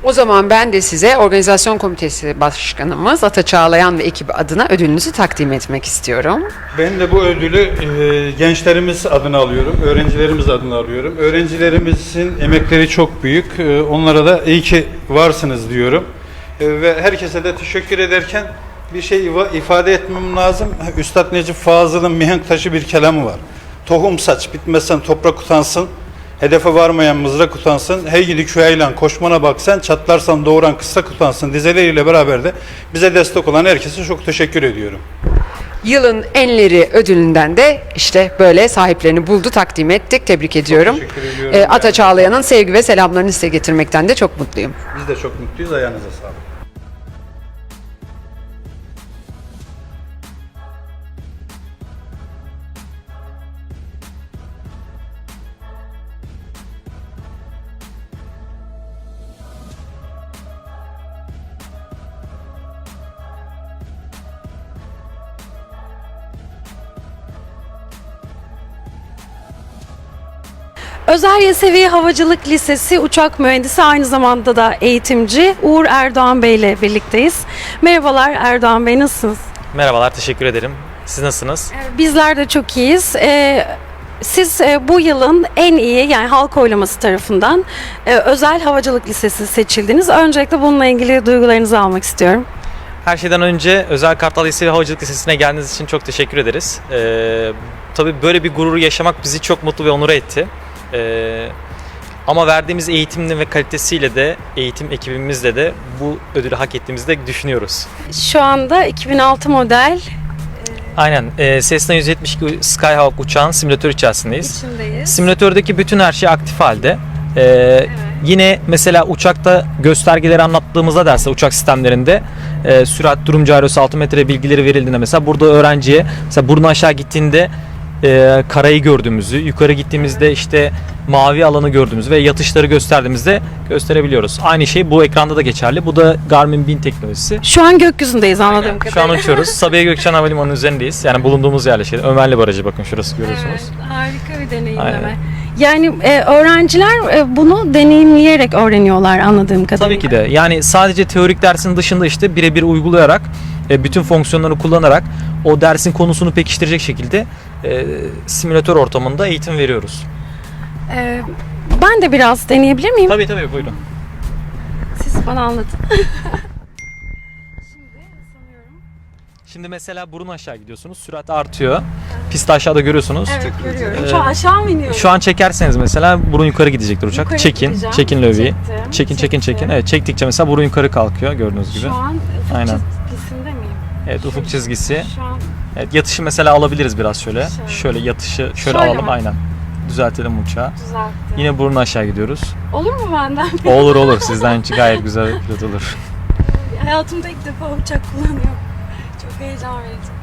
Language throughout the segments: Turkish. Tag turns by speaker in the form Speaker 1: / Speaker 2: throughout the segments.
Speaker 1: O zaman ben de size Organizasyon Komitesi Başkanımız Ata Çağlayan ve ekibi adına ödülünüzü takdim etmek istiyorum.
Speaker 2: Ben de bu ödülü gençlerimiz adına alıyorum, öğrencilerimiz adına alıyorum. Öğrencilerimizin emekleri çok büyük. Onlara da iyi ki varsınız diyorum. Ve herkese de teşekkür ederken bir şey ifade etmem lazım. Üstad Necip Fazıl'ın mihenk taşı bir kelamı var. Tohum saç, bitmezsen toprak utansın. Hedefe varmayan mızrak utansın. Hey gidi küyaylan koşmana bak sen, çatlarsan doğuran kıssak utansın dizeleriyle beraber de bize destek olan herkese çok teşekkür ediyorum.
Speaker 1: Yılın Enleri ödülünden de işte böyle sahiplerini buldu, takdim ettik. Tebrik ediyorum.
Speaker 2: Teşekkür ediyorum.
Speaker 1: Ata Çağlayan'ın sevgi ve selamlarını size getirmekten de çok mutluyum.
Speaker 2: Biz de çok mutluyuz. Ayağınıza sağlık.
Speaker 3: Özel Yesevi Havacılık Lisesi uçak mühendisi, aynı zamanda da eğitimci Uğur Erdoğan Bey ile birlikteyiz. Merhabalar Erdoğan Bey, nasılsınız?
Speaker 4: Merhabalar, teşekkür ederim. Siz nasılsınız?
Speaker 3: Bizler de çok iyiyiz. Siz bu yılın en iyi, yani halk oylaması tarafından Özel Havacılık Lisesi seçildiniz. Öncelikle bununla ilgili duygularınızı almak istiyorum.
Speaker 4: Her şeyden önce Özel Kartal Yesevi Havacılık Lisesi'ne geldiğiniz için çok teşekkür ederiz. Tabii böyle bir gururu yaşamak bizi çok mutlu ve onur etti. Ama verdiğimiz eğitimle ve kalitesiyle de, eğitim ekibimizle de bu ödülü hak ettiğimizi de düşünüyoruz.
Speaker 3: Şu anda 2006 model
Speaker 4: Aynen, Cessna 172 Skyhawk uçağın simülatör içerisindeyiz.
Speaker 3: içindeyiz.
Speaker 4: Simülatördeki bütün her şey aktif halde. Yine mesela uçakta göstergeleri anlattığımızda derse uçak sistemlerinde sürat, durum gyrosu, altimetre bilgileri verildiğinde mesela burada öğrenciye mesela burnu aşağı gittiğinde karayı gördüğümüzü, yukarı gittiğimizde işte mavi alanı gördüğümüzü ve yatışları gösterdiğimizde gösterebiliyoruz. Aynı şey bu ekranda da geçerli. Bu da Garmin 1000 teknolojisi.
Speaker 3: Şu an gökyüzündeyiz anladığım kadarıyla.
Speaker 4: Şu an uçuyoruz. Sabiha Gökçen Havalimanı'nın üzerindeyiz. Yani bulunduğumuz yerleşke. Ömerli Barajı, bakın şurası görüyorsunuz.
Speaker 3: Evet, harika bir deneyimleme.
Speaker 4: Aynen.
Speaker 3: Yani öğrenciler bunu deneyimleyerek öğreniyorlar anladığım kadarıyla.
Speaker 4: Tabii ki de. Yani sadece teorik dersin dışında işte birebir uygulayarak, bütün fonksiyonları kullanarak o dersin konusunu pekiştirecek şekilde simülatör ortamında eğitim veriyoruz.
Speaker 3: Ben de biraz deneyebilir miyim?
Speaker 4: Tabii tabii, buyurun.
Speaker 3: Siz bana anlatın.
Speaker 4: Şimdi mesela burun aşağı gidiyorsunuz, sürat artıyor. Pisti aşağıda görüyorsunuz.
Speaker 3: Evet, görüyorum. Şu an aşağı mı iniyoruz?
Speaker 4: Şu an çekerseniz mesela burun yukarı gidecektir uçak.
Speaker 3: Yukarı
Speaker 4: Çekin,
Speaker 3: gideceğim.
Speaker 4: çekin löviyi.
Speaker 3: Çektim.
Speaker 4: Çekin. Evet, çektikçe mesela burun yukarı kalkıyor gördüğünüz gibi.
Speaker 3: Şu an ufuk
Speaker 4: Aynen.
Speaker 3: çizgisinde miyim?
Speaker 4: Evet, ufuk çizgisi.
Speaker 3: Şu an
Speaker 4: Evet, yatışı mesela alabiliriz biraz şöyle. Şöyle yatışı şöyle alalım,
Speaker 3: mi?
Speaker 4: aynen. Düzeltelim uçağı.
Speaker 3: düzelttim.
Speaker 4: Yine burun aşağı gidiyoruz.
Speaker 3: Olur mu benden?
Speaker 4: Olur, sizden gayet güzel pilot olur.
Speaker 3: Hayatımda ilk defa uçak kullanıyorum. Çok heyecan verici.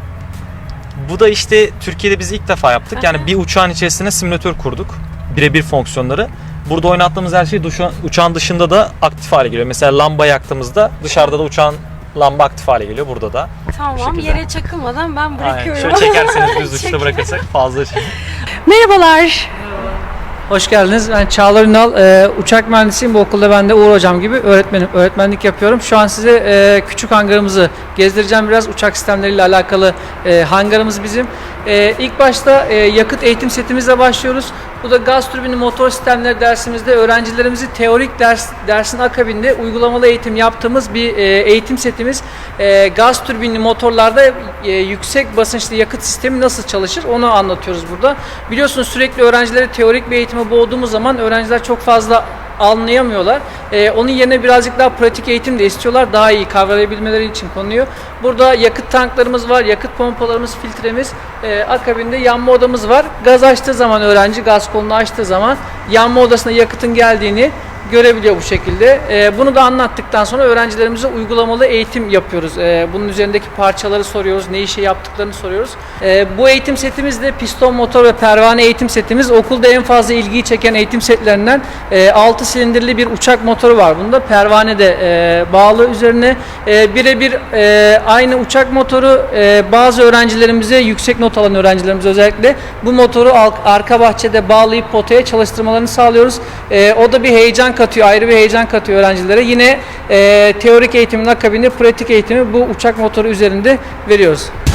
Speaker 4: Bu da işte Türkiye'de biz ilk defa yaptık. Yani bir uçağın içerisine simülatör kurduk. Birebir fonksiyonları. Burada oynattığımız her şey uçağın dışında da aktif hale geliyor. Mesela lamba yaktığımızda dışarıda da uçağın lamba aktif hale geliyor burada da.
Speaker 3: Tamam,
Speaker 4: şekilde.
Speaker 3: yere çakılmadan ben
Speaker 4: Aynen.
Speaker 3: bırakıyorum.
Speaker 4: Şöyle çekerseniz düz uçta bırakırsak fazla şey.
Speaker 3: Merhabalar.
Speaker 5: Hoş geldiniz. Ben Çağlar Ünal, uçak mühendisiyim. Bu okulda ben de Uğur Hocam gibi öğretmenim. Öğretmenlik yapıyorum. Şu an size küçük hangarımızı gezdireceğim biraz. Uçak sistemleriyle alakalı hangarımız bizim. İlk başta yakıt eğitim setimizle başlıyoruz. Bu da gaz türbini motor sistemleri dersimizde öğrencilerimizi teorik dersin akabinde uygulamalı eğitim yaptığımız bir eğitim setimiz. Gaz türbinli motorlarda yüksek basınçlı yakıt sistemi nasıl çalışır onu anlatıyoruz burada. Biliyorsunuz sürekli öğrencileri teorik bir eğitime boğduğumuz zaman öğrenciler çok fazla anlayamıyorlar. Onun yerine birazcık daha pratik eğitim de istiyorlar. Daha iyi kavrayabilmeleri için konuyu. Burada yakıt tanklarımız var, yakıt pompalarımız, filtremiz, akabinde yanma odamız var. Gaz açtığı zaman öğrenci, gaz kolunu açtığı zaman yanma odasına yakıtın geldiğini görebiliyor bu şekilde. Bunu da anlattıktan sonra öğrencilerimize uygulamalı eğitim yapıyoruz. Bunun üzerindeki parçaları soruyoruz, ne işe yaptıklarını soruyoruz. Bu eğitim setimiz de piston motor ve pervane eğitim setimiz. Okulda en fazla ilgiyi çeken eğitim setlerinden 6 silindirli bir uçak motoru var. Bunda pervane de bağlı üzerine. Birebir aynı uçak motoru bazı öğrencilerimize, yüksek not alan öğrencilerimize özellikle bu motoru arka bahçede bağlayıp potaya çalıştırmalarını sağlıyoruz. O da bir heyecan katıyor, ayrı bir heyecan katıyor öğrencilere. Yine teorik eğitimin akabinde pratik eğitimi bu uçak motoru üzerinde veriyoruz.